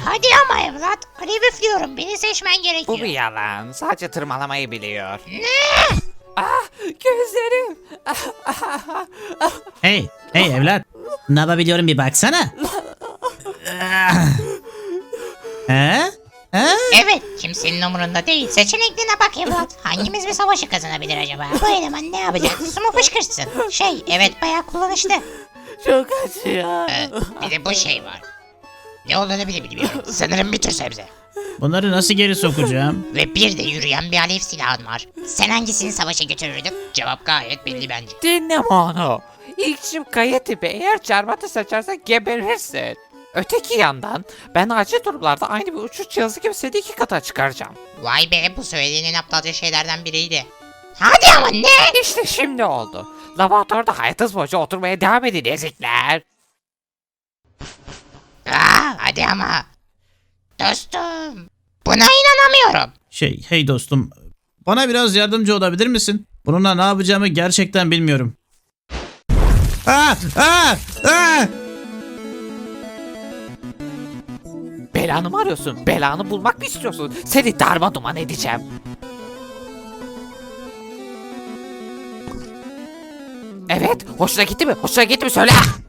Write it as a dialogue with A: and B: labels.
A: Hadi ama evlat. Alev üflüyorum. Beni seçmen gerekiyor.
B: Bu bir yalan. Sadece tırmalamayı biliyor.
A: Ne?
B: Ah, gözlerim.
C: Hey evlat. Ne yapabiliyorum bir baksana. He? He?
A: Evet, kimsenin umurunda değil. Seçeneklerine bak evlat. Hangimiz bir savaşı kazanabilir acaba? Bu eleman ne yapacak? Su mu fışkırsın? Evet bayağı kullanışlı.
B: Çok acıyor.
A: Bir de bu şey var. Ne olduğunu bile bilmiyorum. Sanırım bir tür sebze.
C: Bunları nasıl geri sokacağım?
A: Ve bir de yürüyen bir alev silahın var. Sen hangisini savaşa götürürdün? Cevap gayet belli bence.
B: Dinleme onu. İlkçim kaya tipi, eğer çarmıhatı seçersen geberirsin. Öteki yandan ben acil durumlarda aynı bir uçuş cihazı gibi seni 2 kata çıkaracağım.
A: Vay be, bu söylediğinin aptalca şeylerden biriydi. Hadi ama ne?
B: İşte şimdi oldu. Laboratuvarda hayatınız boyunca oturmaya devam edin ezikler.
A: Hadi ama. Dostum. Buna inanamıyorum.
C: Hey dostum. Bana biraz yardımcı olabilir misin? Bununla ne yapacağımı gerçekten bilmiyorum.
B: Belanı mı arıyorsun? Belanı bulmak mı istiyorsun? Seni darmaduman edeceğim. Evet, hoşuna gitti mi? Hoşuna gitti mi? Söyle.